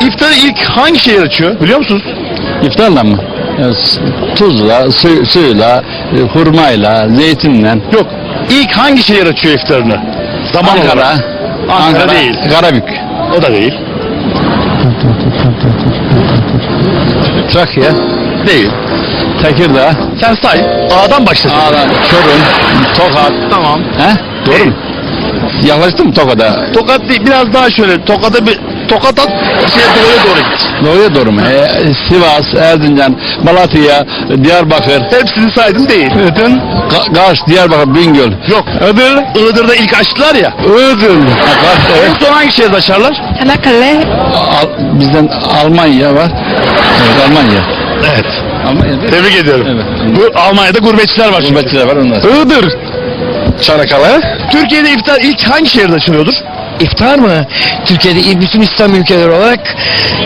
İftarı ilk hangi şehir açıyor biliyor musunuz? İftarla mı? Tuzla, suyla, hurmayla, zeytinle. Yok. İlk hangi şehir açıyor iftarını? Zaman Ankara. olarak. Ankara değil. Karabük. O da değil. Trakya. Değil. Tekirdağ. Sen say. A'dan başla. Ağrı, Çorum, Tokat. Tamam. He? Doğru mu? Yaklaştın mı Tokat'a? Tokat değil. Biraz daha şöyle. Tokat at. Doğuya doğru git. Doğuya doğru mu? Sivas, Erzincan, Malatya, Diyarbakır. Hepsini saydın değil. Bütün Kars, Diyarbakır, Bingöl. Yok. Iğdır'da ilk açtılar ya. Iğdır. Kars, evet. En son hangi şehirde açarlar? Çanakkale. Bizden Almanya var. Evet, Almanya. Evet. Almanya değil mi? Tebrik ediyorum. Evet. Bu Almanya'da gurbetçiler var. çünkü. Gurbetçiler var onlar. Iğdır. Çanakkale. Türkiye'de iftar ilk hangi şehirde açılıyordur? İftar mı? Türkiye'de bütün İslam ülkeleri olarak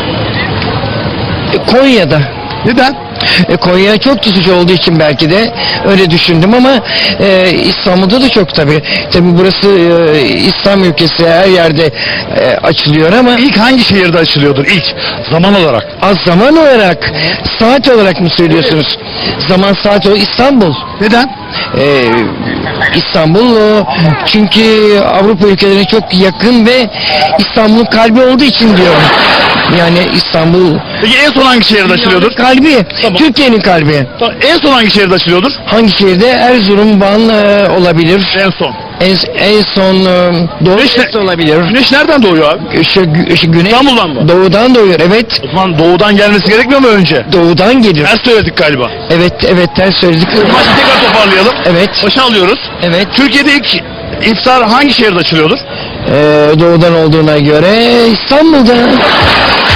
Konya'da. Neden? Konya çok tutucu olduğu için belki de öyle düşündüm ama İstanbul'da da çok tabii. Tabii burası İslam ülkesi, her yerde açılıyor ama İlk hangi şehirde açılıyordur ilk zaman olarak? az zaman olarak, saat olarak mı söylüyorsunuz? Zaman saat olarak İstanbul. Neden? İstanbul çünkü Avrupa ülkelerine çok yakın ve İstanbul'un kalbi olduğu için diyorum. Yani İstanbul Peki en son hangi şehirde açılıyordur? kalbi, Tamam. Türkiye'nin kalbi. En son hangi şehirde açılıyordur? Hangi şehirde? Erzurum, Van olabilir. En son. En son Doğu Güneş Şerisi olabilir. Güneş nereden doğuyor abi? Güneş İstanbul'dan mı? doğudan doğuyor. Evet. O zaman doğudan gelmesi gerekmiyor mu önce? Doğudan gelir. Ters söyledik galiba. Evet ters söyledik. Maçı tekrar toparlayalım. Evet. Başa alıyoruz. Evet. Türkiye'de ilk iftar hangi şehirde açılıyordur? Doğudan olduğuna göre İstanbul'da.